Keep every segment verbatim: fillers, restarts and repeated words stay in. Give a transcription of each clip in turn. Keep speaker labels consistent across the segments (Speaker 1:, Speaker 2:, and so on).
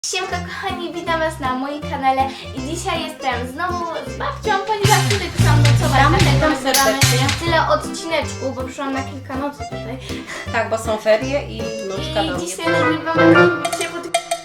Speaker 1: Siemka kochani, witam was na moim kanale i dzisiaj jestem znowu z babcią, ponieważ tutaj przyszłam nocować, dlatego nagrywamy tyle odcineczków, bo przyszłam na kilka nocy tutaj.
Speaker 2: Tak, bo są ferie i wnuczka do
Speaker 1: I
Speaker 2: mnie
Speaker 1: dzisiaj
Speaker 2: przyjechała.
Speaker 1: nagrywamy wiecie, bo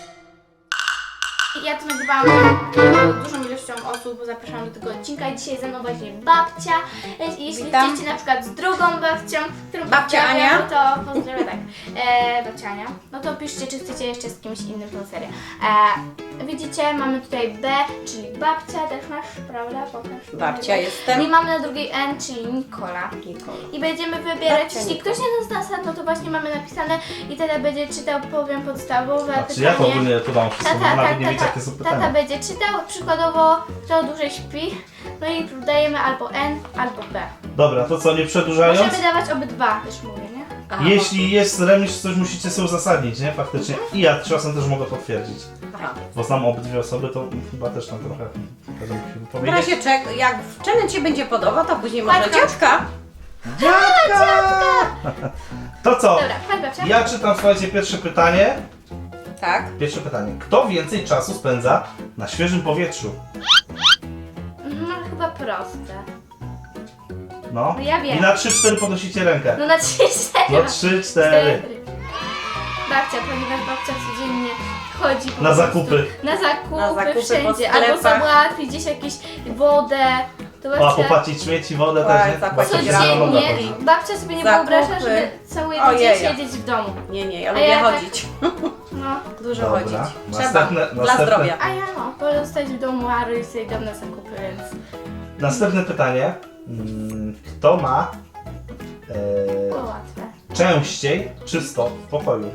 Speaker 1: ja to nagrywałam dużą ilością osób, bo zapraszam do tego odcinka i dzisiaj ze mną właśnie babcia. Jeśli
Speaker 2: Witam.
Speaker 1: jesteście na przykład z drugą babcią, którą
Speaker 2: Babcia
Speaker 1: pozdrawiam,
Speaker 2: Ania.
Speaker 1: no to pozdrawiam, tak. E, babcia Ania. No to piszcie, czy chcecie jeszcze z kimś innym tą serię. E, widzicie, mamy tutaj B, czyli babcia, też masz, prawda? Pokaż.
Speaker 2: Babcia
Speaker 1: I
Speaker 2: jestem.
Speaker 1: mamy na drugiej N, czyli Nikola.
Speaker 2: Nikola.
Speaker 1: I będziemy wybierać,
Speaker 2: Babcia
Speaker 1: jeśli
Speaker 2: Nikola.
Speaker 1: ktoś nie zna zasad, no to właśnie mamy napisane i tata będzie czytał, powiem podstawowe
Speaker 3: Znaczy
Speaker 1: pytanie.
Speaker 3: ja to ogólnie to mam wszystko,
Speaker 1: Tata,
Speaker 3: nawet
Speaker 1: tak,
Speaker 3: nie wiecie
Speaker 1: tata,
Speaker 3: jakie są
Speaker 1: tata
Speaker 3: pytania.
Speaker 1: będzie czytał, przykładowo kto dłużej śpi, no i dajemy albo N, albo B.
Speaker 3: Dobra, to co, nie przedłużając?
Speaker 1: Możemy dawać obydwa, też mówię, nie?
Speaker 2: Aha,
Speaker 3: Jeśli jest remis, coś musicie sobie uzasadnić, nie? Faktycznie. I ja czasem też mogę potwierdzić.
Speaker 2: Aha.
Speaker 3: Bo znam obydwie osoby, to chyba też tam trochę będę musiał
Speaker 2: W
Speaker 3: powiedzieć.
Speaker 2: razie czek, jak w challenge ci będzie podobał, to później może
Speaker 1: Babka.
Speaker 2: dziadka.
Speaker 3: Dziadka! To co?
Speaker 1: Dobra, chodź babcia.
Speaker 3: Ja czytam, słuchajcie, pierwsze pytanie.
Speaker 2: Tak.
Speaker 3: Pierwsze pytanie. Kto więcej czasu spędza na świeżym powietrzu?
Speaker 1: No chyba proste.
Speaker 3: No.
Speaker 1: No ja wiem.
Speaker 3: I na trzy cztery podnosicie rękę.
Speaker 1: No na trzy, cztery.
Speaker 3: No trzy cztery.
Speaker 1: Babcia, ponieważ babcia codziennie chodzi po
Speaker 3: Na
Speaker 1: prostu
Speaker 3: zakupy.
Speaker 1: Na zakupy,
Speaker 2: Na zakupy po
Speaker 1: wszędzie. Albo
Speaker 2: sklepach.
Speaker 1: załatwić gdzieś jakieś wodę. To
Speaker 3: O,
Speaker 1: babcia
Speaker 3: popłacić śmieci, wodę
Speaker 2: Tak,
Speaker 3: też, nie?
Speaker 2: zapłacić
Speaker 3: Babcia się
Speaker 2: rano.
Speaker 3: sama mogła
Speaker 1: codziennie.
Speaker 3: chodzić.
Speaker 1: Babcia sobie nie
Speaker 2: Zakupy.
Speaker 1: wyobraża, żeby cały jeden dzień
Speaker 2: Ojeja.
Speaker 1: siedzieć w domu.
Speaker 2: Nie, nie, ja
Speaker 1: A
Speaker 2: lubię
Speaker 1: ja tak-
Speaker 2: chodzić.
Speaker 1: No.
Speaker 2: Dużo
Speaker 3: Dobra.
Speaker 2: chodzić. Trzeba.
Speaker 3: Następne-
Speaker 2: Dla
Speaker 3: następne-
Speaker 2: zdrowia.
Speaker 1: A ja no, wolę zostać w domu, a rodzice sobie idą na zakupy, więc...
Speaker 3: Następne pytanie. Mm, Kto ma e,
Speaker 1: To łatwe.
Speaker 3: częściej czysto w pokoju?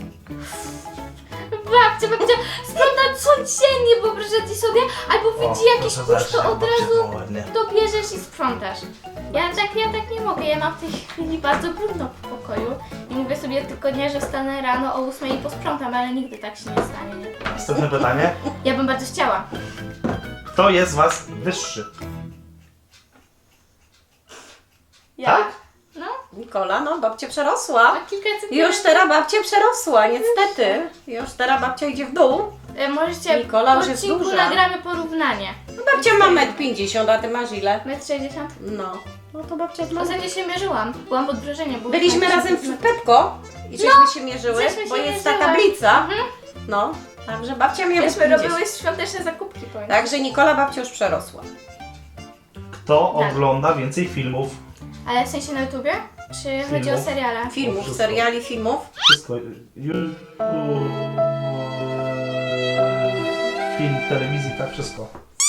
Speaker 1: Babcia, babcia sprząta codziennie, wyobrażacie sobie? Albo widzi jakiś kurz, to od razu to bierzesz i sprzątasz. Ja tak, ja tak nie mogę, ja mam w tej chwili bardzo brudno w pokoju i mówię sobie tylko nie, że wstanę rano o ósmej i posprzątam, ale nigdy tak się nie stanie. Nie?
Speaker 3: Następne pytanie.
Speaker 1: Ja bym bardzo chciała.
Speaker 3: Kto jest z was wyższy?
Speaker 1: Ja?
Speaker 3: Tak?
Speaker 1: No,
Speaker 2: Nikola, no babcia przerosła.
Speaker 1: na kilka centymetrów.
Speaker 2: Już teraz babcia przerosła, niestety. Już teraz babcia idzie w dół.
Speaker 1: E, Możecie
Speaker 2: Nikola
Speaker 1: w
Speaker 2: już jest
Speaker 1: odcinku
Speaker 2: duża.
Speaker 1: nagramy porównanie.
Speaker 2: No, babcia ma metr pięćdziesiąt, a ty masz ile?
Speaker 1: metr sześćdziesiąt?
Speaker 2: No. No to babcia ma.
Speaker 1: Ostatnio się mierzyłam, byłam pod wrażeniem. bo
Speaker 2: Byliśmy
Speaker 1: już
Speaker 2: razem w Pepko i żeśmy się mierzyły,
Speaker 1: żeśmy się
Speaker 2: bo jest
Speaker 1: mierzyły.
Speaker 2: ta tablica.
Speaker 1: Mhm.
Speaker 2: No, także babcia miała
Speaker 1: Myśmy
Speaker 2: pięćdziesiąt.
Speaker 1: robiły świąteczne zakupki, powiem.
Speaker 2: Także Nikola babcia już przerosła.
Speaker 3: Kto
Speaker 1: Tak.
Speaker 3: ogląda więcej filmów?
Speaker 1: Ale w sensie na YouTubie? Czy chodzi o
Speaker 3: Filmów.
Speaker 1: seriale?
Speaker 2: Filmów,
Speaker 3: wszystko.
Speaker 2: seriali, filmów.
Speaker 3: Wszystko. Ju- Film, telewizji, tak wszystko.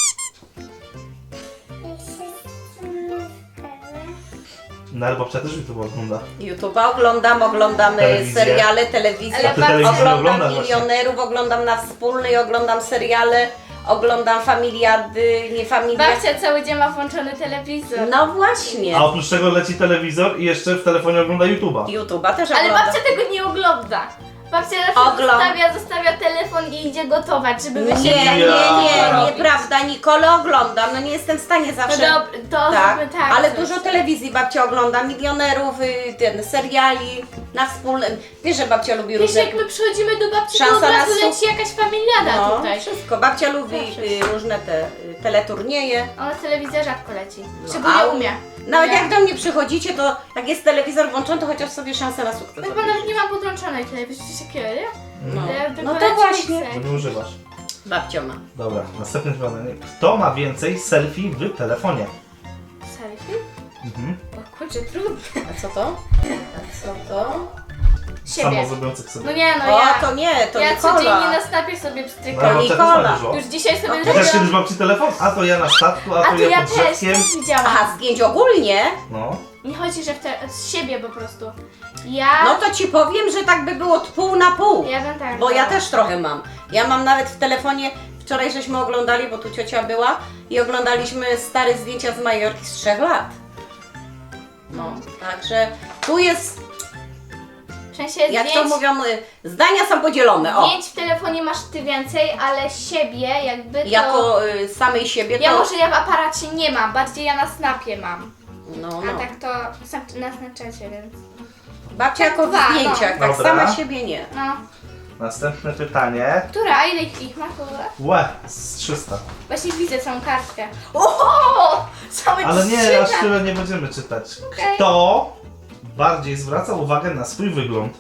Speaker 3: No ale babcia też YouTube ogląda.
Speaker 2: YouTube'a oglądam, oglądam e,
Speaker 3: Telewizję.
Speaker 2: seriale, telewizję.
Speaker 1: Ale
Speaker 3: A ty telewizji nie
Speaker 2: Oglądam
Speaker 3: oglądasz właśnie.
Speaker 2: milionerów, oglądam na wspólnej, oglądam seriale, oglądam familiady, nie familiady.
Speaker 1: Babcia cały dzień ma włączony telewizor.
Speaker 2: No właśnie.
Speaker 3: A oprócz tego leci telewizor i jeszcze w telefonie ogląda YouTube'a.
Speaker 2: YouTube'a też
Speaker 1: Ale
Speaker 2: oglądam.
Speaker 1: babcia tego nie ogląda. Babcia zawsze
Speaker 2: Ogląd-
Speaker 1: zostawia, zostawia telefon i idzie gotować, żeby
Speaker 2: Nie,
Speaker 1: wysiedli.
Speaker 2: nie, nie,
Speaker 3: Ja.
Speaker 2: nieprawda. Nikolę oglądam, no nie jestem w stanie
Speaker 1: To
Speaker 2: zawsze.
Speaker 1: dobra, to
Speaker 2: Tak,
Speaker 1: zróbmy tak.
Speaker 2: ale
Speaker 1: coś.
Speaker 2: dużo telewizji babcia ogląda, milionerów, y, ten, seriali, na wspólnym. Wiesz, że babcia lubi
Speaker 1: Wiesz,
Speaker 2: różne...
Speaker 1: jak my przychodzimy do babci, to
Speaker 2: Szansa
Speaker 1: od razu
Speaker 2: na su-
Speaker 1: leci jakaś familiada
Speaker 2: No,
Speaker 1: tutaj.
Speaker 2: wszystko. Babcia lubi
Speaker 1: Zawsze.
Speaker 2: y, różne te y, teleturnieje.
Speaker 1: Ona telewizja rzadko leci.
Speaker 2: No,
Speaker 1: Szczególnie
Speaker 2: a-
Speaker 1: u mnie.
Speaker 2: Nawet
Speaker 1: Ja-
Speaker 2: jak do mnie przychodzicie, to jak jest telewizor włączony, to chociaż sobie szansę na sukces.
Speaker 1: No chyba nawet nie mam podłączonej telewizji, coś takiego, nie?
Speaker 2: No,
Speaker 1: Ja tylko
Speaker 2: no to
Speaker 1: leci
Speaker 2: właśnie.
Speaker 1: Netflix.
Speaker 3: To nie używasz.
Speaker 2: Babcia ma.
Speaker 3: Dobra, następne pytanie. Kto ma więcej selfie w telefonie?
Speaker 1: Selfie?
Speaker 3: Mhm.
Speaker 1: O kurczę, trudno.
Speaker 2: A co to? A co to?
Speaker 1: Siebie.
Speaker 3: Samo zrobiących sobie.
Speaker 1: No nie, no
Speaker 2: O,
Speaker 1: ja.
Speaker 2: to nie, to
Speaker 1: ja
Speaker 2: Nikola.
Speaker 1: codziennie na snapie sobie
Speaker 3: No,
Speaker 1: pstrykam.
Speaker 3: babcia też
Speaker 2: Nikola.
Speaker 3: ma dużo.
Speaker 1: Już dzisiaj sobie
Speaker 2: No,
Speaker 3: Chociaż
Speaker 1: zrobiłam.
Speaker 3: kiedyś babci telefon, a to ja na statku, a
Speaker 1: A
Speaker 3: to
Speaker 1: to
Speaker 3: ja
Speaker 1: ja
Speaker 3: pod
Speaker 1: też,
Speaker 3: drzewkiem.
Speaker 1: też widziałam.
Speaker 2: Aha, zdjęć ogólnie?
Speaker 3: No.
Speaker 1: Nie chodzi, że w te, z siebie po prostu. Ja.
Speaker 2: No to ci powiem, że tak by było pół na pół.
Speaker 1: Ja bym tak.
Speaker 2: Bo ja
Speaker 1: dała.
Speaker 2: też trochę mam. Ja mam nawet w telefonie, wczoraj żeśmy oglądali, bo tu ciocia była i oglądaliśmy stare zdjęcia z Majorki z trzech lat. No, także tu jest,
Speaker 1: W sensie
Speaker 2: jak
Speaker 1: zdjęć,
Speaker 2: to mówią, y, zdania są podzielone. O,
Speaker 1: zdjęć w telefonie masz ty więcej, ale siebie jakby to.
Speaker 2: jako y, samej siebie
Speaker 1: Ja
Speaker 2: to...
Speaker 1: może ja w aparacie nie mam, bardziej ja na snapie mam.
Speaker 2: No,
Speaker 1: A
Speaker 2: no.
Speaker 1: tak to snap- na Snapchacie, więc.
Speaker 2: Babcia jako w
Speaker 1: dwa, no.
Speaker 2: zdjęciach, tak
Speaker 3: Dobra.
Speaker 2: sama siebie nie.
Speaker 1: No.
Speaker 3: Następne pytanie.
Speaker 1: Która? A ile ich ma? Która?
Speaker 3: Łe, z trzysta.
Speaker 1: Właśnie widzę całą kartkę. Oho! Całe
Speaker 3: Ale nie,
Speaker 1: trzy
Speaker 3: aż
Speaker 1: na-
Speaker 3: tyle nie będziemy czytać.
Speaker 1: Okej.
Speaker 3: Kto bardziej zwraca uwagę na swój wygląd?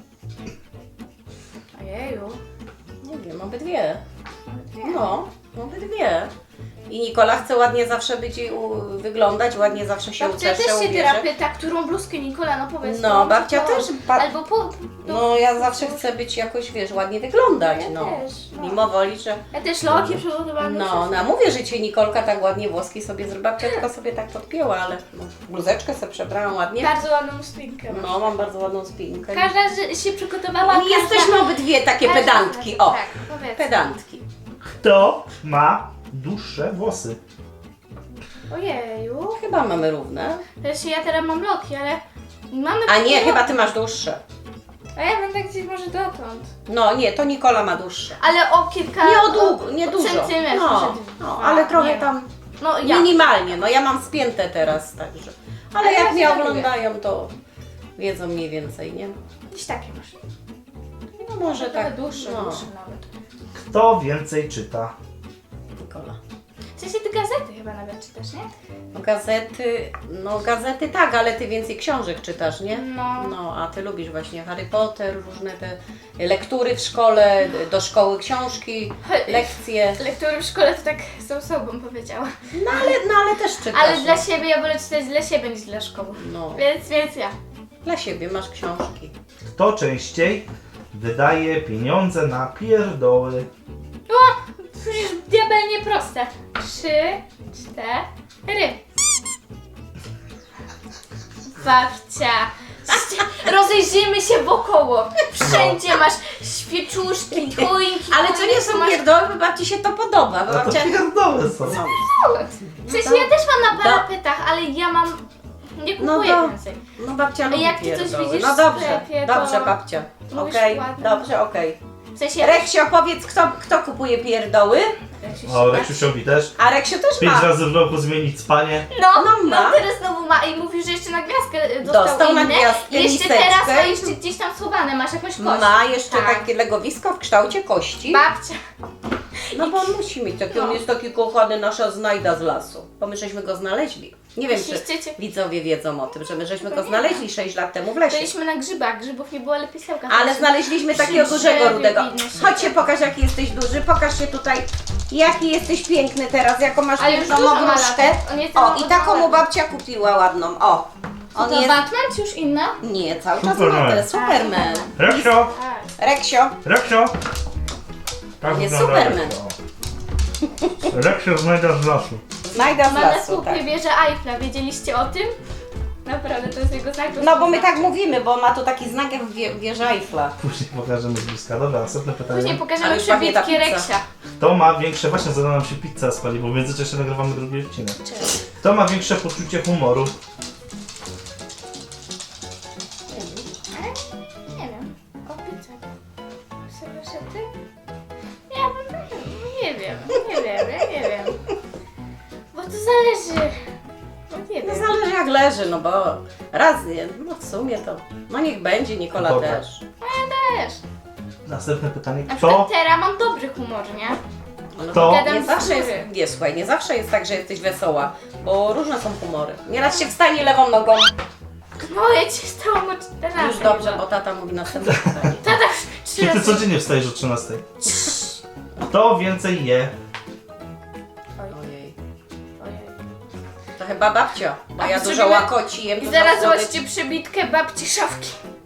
Speaker 1: Ojeju.
Speaker 2: Nie wiem, obydwie. No, obydwie. I Nikola chce ładnie zawsze być i u, wyglądać, ładnie zawsze się
Speaker 1: Babcia
Speaker 2: uczesze,
Speaker 1: też się
Speaker 2: ubierze.
Speaker 1: teraz pyta, którą bluzkę Nikola, no powiedz.
Speaker 2: No,
Speaker 1: którą
Speaker 2: babcia
Speaker 1: kolor.
Speaker 2: też ba-
Speaker 1: Albo po...
Speaker 2: No ja zawsze chcę być jakoś, wiesz, ładnie wyglądać,
Speaker 1: Ja
Speaker 2: no.
Speaker 1: też, no.
Speaker 2: Mimo woli, że...
Speaker 1: Ja też loki przygotowane.
Speaker 2: No, no, mówię, że Cię Nikolka tak ładnie włoski sobie zrobiła, babcia tylko sobie tak podpięła, ale no, bluzeczkę sobie przebrałam ładnie.
Speaker 1: Bardzo ładną spinkę.
Speaker 2: No, mam bardzo ładną spinkę.
Speaker 1: Każda z- się przygotowała.
Speaker 2: I
Speaker 1: każda-
Speaker 2: jesteśmy obydwie takie
Speaker 1: każda-
Speaker 2: pedantki, o,
Speaker 1: Tak, powiedz.
Speaker 2: pedantki.
Speaker 3: Kto ma dłuższe włosy?
Speaker 1: Ojeju.
Speaker 2: Chyba mamy równe.
Speaker 1: Też ja teraz mam loki, ale mamy...
Speaker 2: A nie, chyba Ty masz dłuższe.
Speaker 1: A ja mam tak gdzieś może dotąd.
Speaker 2: No nie, to Nikola ma dłuższe.
Speaker 1: Ale o kilka...
Speaker 2: Nie o długo, nie
Speaker 1: o
Speaker 2: dużo.
Speaker 1: centymetr.
Speaker 2: No,
Speaker 1: może
Speaker 2: no,
Speaker 1: dwa,
Speaker 2: ale trochę
Speaker 1: nie.
Speaker 2: tam
Speaker 1: No ja.
Speaker 2: minimalnie, no ja mam spięte teraz, także. Ale
Speaker 1: Ale
Speaker 2: jak
Speaker 1: ja
Speaker 2: mnie
Speaker 1: się lubię.
Speaker 2: oglądają, to wiedzą mniej więcej, nie?
Speaker 1: Gdzieś takie masz.
Speaker 2: No może
Speaker 1: Trochę
Speaker 2: tak.
Speaker 1: dłuższe,
Speaker 2: no.
Speaker 1: dłuższe nawet.
Speaker 3: Kto więcej czyta?
Speaker 2: Nikola.
Speaker 1: W sensie ty gazety chyba nawet czytasz, nie?
Speaker 2: No gazety, no gazety tak, ale ty więcej książek czytasz, nie?
Speaker 1: No.
Speaker 2: No, a ty lubisz właśnie Harry Potter, różne te lektury w szkole, do szkoły książki, lekcje.
Speaker 1: Lektury w szkole to tak z osobą powiedziała.
Speaker 2: No ale, no, ale też czytasz.
Speaker 1: Ale dla siebie ja wolę czytać dla siebie niż dla szkoły.
Speaker 2: No,
Speaker 1: Więc, więc ja.
Speaker 2: dla siebie masz książki.
Speaker 3: Kto częściej wydaje pieniądze na pierdoły?
Speaker 1: O! Przecież diabelnie proste. Trzy, cztery. Babcia. Rozejrzyjmy się wokoło. Wszędzie masz świeczuszki, choinki.
Speaker 2: Ale co nie są
Speaker 1: masz...
Speaker 2: pierdoły, bo babci się to podoba. Bo
Speaker 3: A to
Speaker 2: babcia...
Speaker 3: pierdoły są.
Speaker 2: No.
Speaker 1: W sensie ja też mam na parapetach, ale ja mam... Nie
Speaker 2: No
Speaker 1: kupuję
Speaker 2: to-
Speaker 1: więcej.
Speaker 2: No babcia lubi
Speaker 1: jak ty coś
Speaker 2: pierdoły.
Speaker 1: widzisz
Speaker 2: No
Speaker 1: w
Speaker 2: dobrze,
Speaker 1: sklepie, to
Speaker 2: dobrze babcia.
Speaker 1: mówisz
Speaker 2: Okej,
Speaker 1: ładnie.
Speaker 2: dobrze, okej.
Speaker 1: W sensie...
Speaker 2: Reksio, powiedz, kto, kto kupuje pierdoły?
Speaker 3: O, Reksiusiowi też.
Speaker 2: A Reksio też
Speaker 3: Pięć
Speaker 2: ma.
Speaker 3: razy w roku zmienić spanie.
Speaker 1: No,
Speaker 2: No
Speaker 1: no,
Speaker 2: ma.
Speaker 1: teraz znowu ma i mówi, że jeszcze na gwiazdkę dostał,
Speaker 2: Dostał na
Speaker 1: inne.
Speaker 2: gwiazdkę,
Speaker 1: I jeszcze
Speaker 2: miseczkę.
Speaker 1: teraz, a jeszcze gdzieś tam schowane, masz jakąś kość.
Speaker 2: Ma jeszcze
Speaker 1: Tak.
Speaker 2: takie legowisko w kształcie kości.
Speaker 1: Babcia.
Speaker 2: No bo on musi mieć taki, on
Speaker 1: No.
Speaker 2: jest taki kochany, nasza znajda z lasu. Bo my żeśmy go znaleźli. Nie wiem, czy
Speaker 1: Myślicie-
Speaker 2: widzowie wiedzą o tym, że my żeśmy
Speaker 1: To
Speaker 2: go
Speaker 1: nie.
Speaker 2: znaleźli sześć lat temu w lesie.
Speaker 1: Byliśmy na grzybach, grzybów nie było, ale pisełka.
Speaker 2: Ale znaleźliśmy takiego
Speaker 1: Przy
Speaker 2: dużego
Speaker 1: drzewie
Speaker 2: rudego.
Speaker 1: widno się
Speaker 2: Chodź się
Speaker 1: tego.
Speaker 2: pokaż, jaki jesteś duży. Pokaż się tutaj, jaki jesteś piękny teraz, jaką masz
Speaker 1: Ale już
Speaker 2: piękną
Speaker 1: dużo ma
Speaker 2: ogróżkę.
Speaker 1: lat. On jest
Speaker 2: O,
Speaker 1: tam
Speaker 2: i taką mu
Speaker 1: ładny.
Speaker 2: babcia kupiła ładną. O,
Speaker 1: To
Speaker 2: on jest...
Speaker 1: Batman czy już inna?
Speaker 2: Nie, cały czas
Speaker 3: Superman.
Speaker 2: ma teraz Superman.
Speaker 3: Reksio!
Speaker 1: Tak.
Speaker 2: Reksio,
Speaker 3: Reksio! Tak
Speaker 2: Jest
Speaker 3: wygląda
Speaker 2: Superman.
Speaker 3: Reksio. Reksio znajda z lasu.
Speaker 2: znajda z
Speaker 1: Ma na
Speaker 2: lasu,
Speaker 1: słupie
Speaker 2: tak.
Speaker 1: wieżę Eiffla, wiedzieliście o tym? Naprawdę, to jest jego znak.
Speaker 2: No bo my tak mówimy, bo ma tu taki znak jak wie, wieża Eiffla.
Speaker 3: Później pokażemy z bliska. Dobra, następne pytanie.
Speaker 1: Później pokażemy
Speaker 2: Ale już pachnie ta
Speaker 1: przebitki
Speaker 2: pizza.
Speaker 1: Reksia.
Speaker 3: Kto ma większe... Właśnie zadała nam się pizza spali, bo w międzyczasie nagrywamy drugi odcinek. Kto ma większe poczucie humoru?
Speaker 1: Nie wiem. O pizzę. Serweszety? Ja bym... Nie wiem, nie wiem, ja nie wiem. Bo to zależy. No nie
Speaker 2: No
Speaker 1: wiem.
Speaker 2: zależy jak leży, no bo raz nie, no w sumie to, no niech będzie, Nikola
Speaker 3: Dobra.
Speaker 2: też.
Speaker 1: Też.
Speaker 3: Następne pytanie.
Speaker 1: Na przykład
Speaker 3: Kto...
Speaker 1: teraz mam dobry humor, nie?
Speaker 2: No,
Speaker 3: To-
Speaker 2: Nie
Speaker 1: Gadam z
Speaker 2: zawsze jest,
Speaker 1: góry.
Speaker 2: nie słuchaj, nie zawsze jest tak, że jesteś wesoła, bo różne są humory. Nieraz się wstanie lewą nogą,
Speaker 1: No ja ci stałam o czternaście.
Speaker 2: już dobrze, bo tata mówi następne pytanie.
Speaker 1: Tata już trzy
Speaker 3: Czy ty
Speaker 1: razy.
Speaker 3: codziennie wstajesz o trzynastej? Kto więcej je?
Speaker 2: Ojej,
Speaker 1: Ojej.
Speaker 2: to chyba babcia, bo
Speaker 1: A
Speaker 2: ja
Speaker 1: my
Speaker 2: dużo
Speaker 1: zrobimy-
Speaker 2: łakoci jem.
Speaker 1: I
Speaker 2: dużo
Speaker 1: zaraz
Speaker 2: słodyczy.
Speaker 1: zobaczcie przebitkę babci szafki.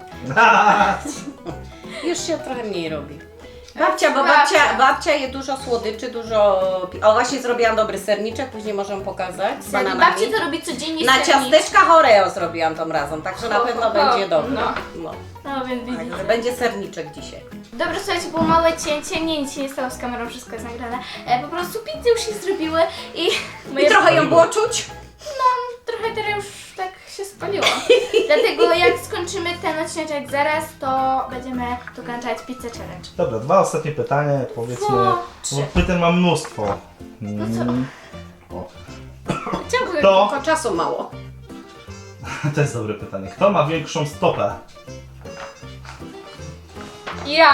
Speaker 2: Już się trochę mniej robi. Babcia, bo babcia, babcia je dużo słodyczy, dużo... pi- O, właśnie zrobiłam dobry serniczek, później możemy pokazać z
Speaker 1: Babci
Speaker 2: bananami.
Speaker 1: to robi codziennie
Speaker 2: Na
Speaker 1: sernik.
Speaker 2: ciasteczkach Oreo zrobiłam tą razem, także na
Speaker 1: Ho,
Speaker 2: pewno
Speaker 1: ho,
Speaker 2: będzie dobre.
Speaker 1: no.
Speaker 2: No.
Speaker 1: No więc widzicie.
Speaker 2: Także będzie serniczek dzisiaj.
Speaker 1: Dobra, słuchajcie, było małe cięcie, nie, nic się nie stało z kamerą, wszystko jest nagrane. E, po prostu pizzy już się zrobiły i...
Speaker 2: I trochę ją było czuć.
Speaker 1: No, trochę teraz już tak się spaliło. Dlatego jak skończymy ten odcinek zaraz, to będziemy dokończać pizzę challenge.
Speaker 3: Dobra, dwa ostatnie pytania, powiedzmy.
Speaker 1: O, trzy.
Speaker 3: Bo pytań mam mnóstwo.
Speaker 1: No co?
Speaker 3: Mm, o.
Speaker 1: Czemu?
Speaker 3: To,
Speaker 2: Tylko czasu mało.
Speaker 3: to jest dobre pytanie. Kto ma większą stopę?
Speaker 1: Ja!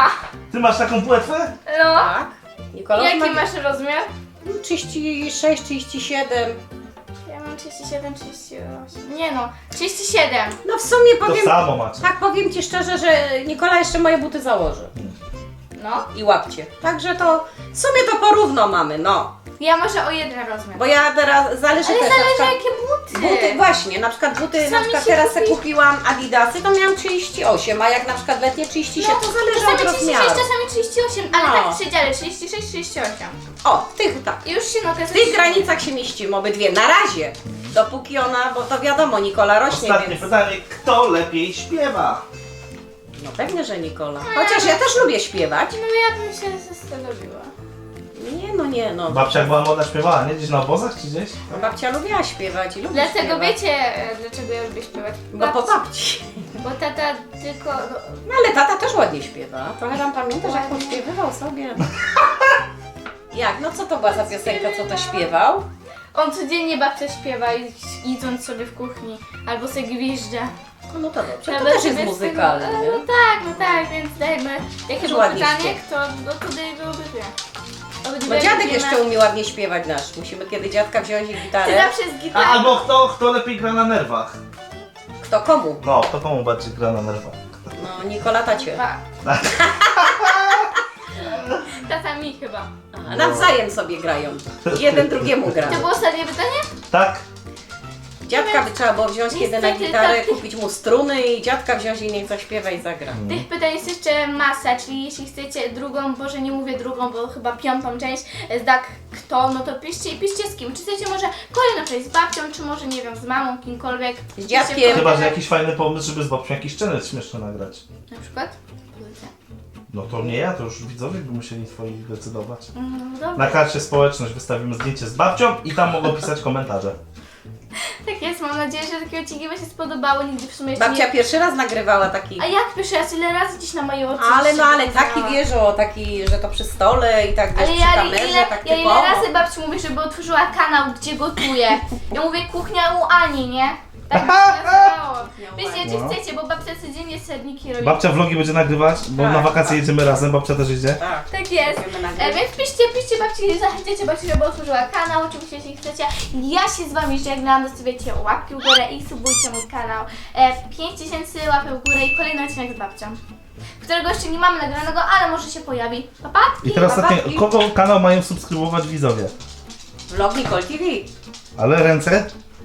Speaker 3: Ty masz taką płetwę?
Speaker 1: No.
Speaker 2: Tak. Nikola
Speaker 1: Jaki
Speaker 2: ma
Speaker 1: masz rozmiar?
Speaker 2: trzydzieści sześć, trzydzieści siedem.
Speaker 1: Ja mam trzydzieści siedem, trzydzieści osiem. Nie no, trzydzieści siedem.
Speaker 2: No w sumie
Speaker 3: To
Speaker 2: powiem,
Speaker 3: samo macie.
Speaker 2: tak powiem Ci szczerze, że Nikola jeszcze moje buty założy.
Speaker 1: No.
Speaker 2: I łapcie. Także to w sumie to porówno mamy, no.
Speaker 1: Ja może o jeden rozmiar.
Speaker 2: Bo ja teraz zależy
Speaker 1: Ale
Speaker 2: też na
Speaker 1: zależy
Speaker 2: przykład,
Speaker 1: jakie buty.
Speaker 2: buty właśnie, na przykład buty, na
Speaker 1: Sami
Speaker 2: przykład
Speaker 1: się
Speaker 2: teraz se
Speaker 1: kupi-
Speaker 2: kupiłam Adidasy, to miałam trzydzieści osiem, a jak na przykład letnie trzydzieści siedem, to zależy
Speaker 1: Czasami
Speaker 2: od
Speaker 1: trzydzieści sześć,
Speaker 2: rozmiaru.
Speaker 1: czasami trzydzieści osiem, ale
Speaker 2: No.
Speaker 1: tak w przedziale trzydzieści sześć, trzydzieści osiem.
Speaker 2: O, w tych tak.
Speaker 1: I już się nogę
Speaker 2: W tych granicach się mieścimy obydwie, na razie. Dopóki ona, bo to wiadomo, Nikola rośnie,
Speaker 3: Ostatnie
Speaker 2: więc...
Speaker 3: pytanie, kto lepiej śpiewa?
Speaker 2: No pewnie, że Nikola. Chociaż ja też lubię śpiewać.
Speaker 1: No ja bym się zastanowiła.
Speaker 2: Nie no, nie no.
Speaker 3: Babcia jak była młoda śpiewała, nie? Gdzieś na obozach czy gdzieś?
Speaker 2: No, babcia lubiła śpiewać i lubi
Speaker 1: Dlatego
Speaker 2: śpiewać.
Speaker 1: wiecie, e, dlaczego ja lubię śpiewać?
Speaker 2: Bo po babci.
Speaker 1: Bo tata tylko... no,
Speaker 2: No ale tata też ładnie śpiewa. Trochę tam pamiętasz, jak pośpiewywał sobie. Jak? No co to była za piosenka, co to śpiewał?
Speaker 1: On codziennie babcia śpiewa, i- idąc sobie w kuchni. Albo sobie gwizdże.
Speaker 2: No, no to dobrze, to
Speaker 1: Nawet
Speaker 2: też jest
Speaker 1: sobie z
Speaker 2: muzykalny,
Speaker 1: tego-
Speaker 2: nie?
Speaker 1: No tak, no tak, więc jakby... Jakie
Speaker 2: Też
Speaker 1: było
Speaker 2: ładnie
Speaker 1: pytanie,
Speaker 2: śpiewa.
Speaker 1: kto... No to tutaj byłoby dwie. Obydwie
Speaker 2: Bo dziadek
Speaker 1: lubimy.
Speaker 2: jeszcze umie ładnie śpiewać nasz. Musimy kiedy dziadka wziąć i
Speaker 1: Ty
Speaker 2: gitarę.
Speaker 1: zawsze z
Speaker 3: A,
Speaker 1: gitarą.
Speaker 3: albo kto, kto lepiej gra na nerwach?
Speaker 2: Kto komu?
Speaker 3: No, kto komu bardziej gra na nerwach?
Speaker 2: No Nikola tacie.
Speaker 1: Dwa. Tata mi chyba.
Speaker 2: A, nawzajem sobie grają. Jeden drugiemu gra.
Speaker 1: To było ostatnie pytanie?
Speaker 3: Tak?
Speaker 2: Dziadka by trzeba było wziąć kiedy na
Speaker 1: Niestety
Speaker 2: gitarę,
Speaker 1: tak.
Speaker 2: kupić mu struny i dziadka wziąć i niech zaśpiewa i zagra.
Speaker 1: Tych pytań jest jeszcze masa, czyli jeśli chcecie drugą, Boże nie mówię drugą, bo chyba piątą część, z tak kto, no to piszcie i piszcie z kim. Czy chcecie może kolejną część z babcią, czy może nie wiem, z mamą, kimkolwiek. Piszcie w
Speaker 2: dziadkiem.
Speaker 1: komentarzach.
Speaker 3: Chyba, że jakiś fajny pomysł, żeby z babcią jakiś challenge śmieszny nagrać.
Speaker 1: Na przykład? Pozycja.
Speaker 3: No to nie ja, to już widzowie by musieli swoich decydować.
Speaker 1: Mm, dobra.
Speaker 3: Na karcie społeczność wystawimy zdjęcie z babcią i tam mogą pisać komentarze.
Speaker 1: Tak jest, mam nadzieję, że takie odcinki Wam się spodobały, nigdy w sumie jeszcze
Speaker 2: Babcia
Speaker 1: nie...
Speaker 2: pierwszy raz nagrywała taki.
Speaker 1: A jak pierwszy raz, ile razy gdzieś na moje oczy
Speaker 2: Ale
Speaker 1: się
Speaker 2: no ale
Speaker 1: pokazała.
Speaker 2: taki wiesz, o taki, że to przy stole i tak wiesz,
Speaker 1: Ale
Speaker 2: przy
Speaker 1: ja,
Speaker 2: kamerze,
Speaker 1: ile,
Speaker 2: tak
Speaker 1: ja
Speaker 2: typowo.
Speaker 1: ile razy babci mówię, żeby otworzyła kanał, gdzie gotuje. Ja mówię kuchnia u Ani, nie? Tak by się nazywało. Wiecie, czy
Speaker 3: No.
Speaker 1: chcecie, bo babcia codziennie serniki robi.
Speaker 3: Babcia vlogi będzie nagrywać, bo
Speaker 2: Tak,
Speaker 3: na wakacje
Speaker 2: tak.
Speaker 3: jedziemy razem, babcia też jedzie.
Speaker 2: Tak.
Speaker 1: Tak jest.
Speaker 2: Będziemy
Speaker 1: E,
Speaker 2: nagrywać.
Speaker 1: więc piszcie, piszcie babci, zachęcicie babci, żeby otworzyła kanał, oczywiście jeśli chcecie. Ja się z Wami żegnam, zostawiacie łapki w górę i subujcie mój kanał. E, pięć tysięcy łapek w górę i kolejny odcinek z babcią, którego jeszcze nie mamy nagranego, ale może się pojawi. Papatki!
Speaker 3: I teraz ostatnie,
Speaker 2: babci.
Speaker 3: kogo kanał mają subskrybować widzowie?
Speaker 2: Vlog Nicole T V.
Speaker 3: Ale ręce?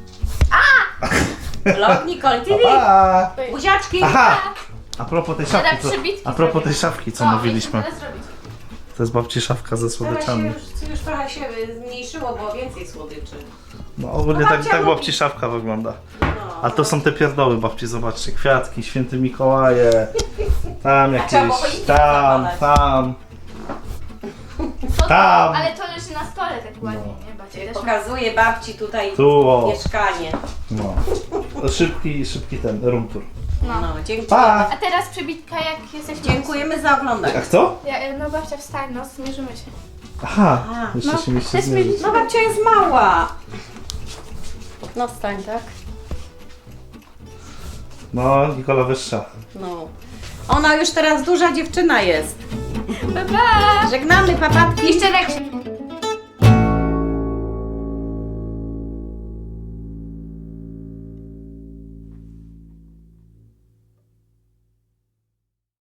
Speaker 2: Vlog Nicole T V.
Speaker 3: Pa!
Speaker 2: Buziaczki.
Speaker 3: Aha! A propos tej szafki,
Speaker 1: Teraz
Speaker 3: co,
Speaker 1: przebitki
Speaker 3: a propos
Speaker 1: zrobię.
Speaker 3: tej szafki, co
Speaker 1: O,
Speaker 3: mówiliśmy.
Speaker 1: jeszcze teraz zrobić.
Speaker 3: To jest babci szafka ze
Speaker 2: Teraz się
Speaker 3: słodyczami.
Speaker 2: już, już trochę się zmniejszyło, bo więcej słodyczy.
Speaker 3: No ogólnie
Speaker 2: No,
Speaker 3: tak,
Speaker 2: babcia
Speaker 3: tak
Speaker 2: lubi.
Speaker 3: babci szafka wygląda.
Speaker 2: No.
Speaker 3: A to są te pierdoły babci, zobaczcie, kwiatki, święty Mikołaje, tam
Speaker 2: trzeba było
Speaker 3: jakieś,
Speaker 2: choinkę
Speaker 3: tam,
Speaker 2: zawalać.
Speaker 3: tam.
Speaker 1: To,
Speaker 3: Tam.
Speaker 1: Ale to leży na stole tak ładnie, nie? Babcia też ma.
Speaker 2: Pokazuję babci tutaj
Speaker 3: Tu, o,
Speaker 2: mieszkanie.
Speaker 3: no. Szybki, szybki ten, room tour.
Speaker 1: No.
Speaker 2: No, dziękuję.
Speaker 3: Pa!
Speaker 1: A teraz przebitka, jak jesteśmy...
Speaker 2: Dziękujemy za oglądanie.
Speaker 3: A kto?
Speaker 1: Ja, no babcia wstań, no zmierzymy się.
Speaker 3: Aha,
Speaker 2: Aha.
Speaker 3: jeszcze
Speaker 1: No,
Speaker 3: się mieliście
Speaker 1: też
Speaker 3: zmierzyć.
Speaker 1: mieliśmy-
Speaker 2: No babcia jest mała. No stań, tak?
Speaker 3: No, Nikola wyższa.
Speaker 2: No. Ona już teraz duża dziewczyna jest.
Speaker 1: Pa, pa!
Speaker 2: Żegnamy papatki.
Speaker 1: Jeszcze raz.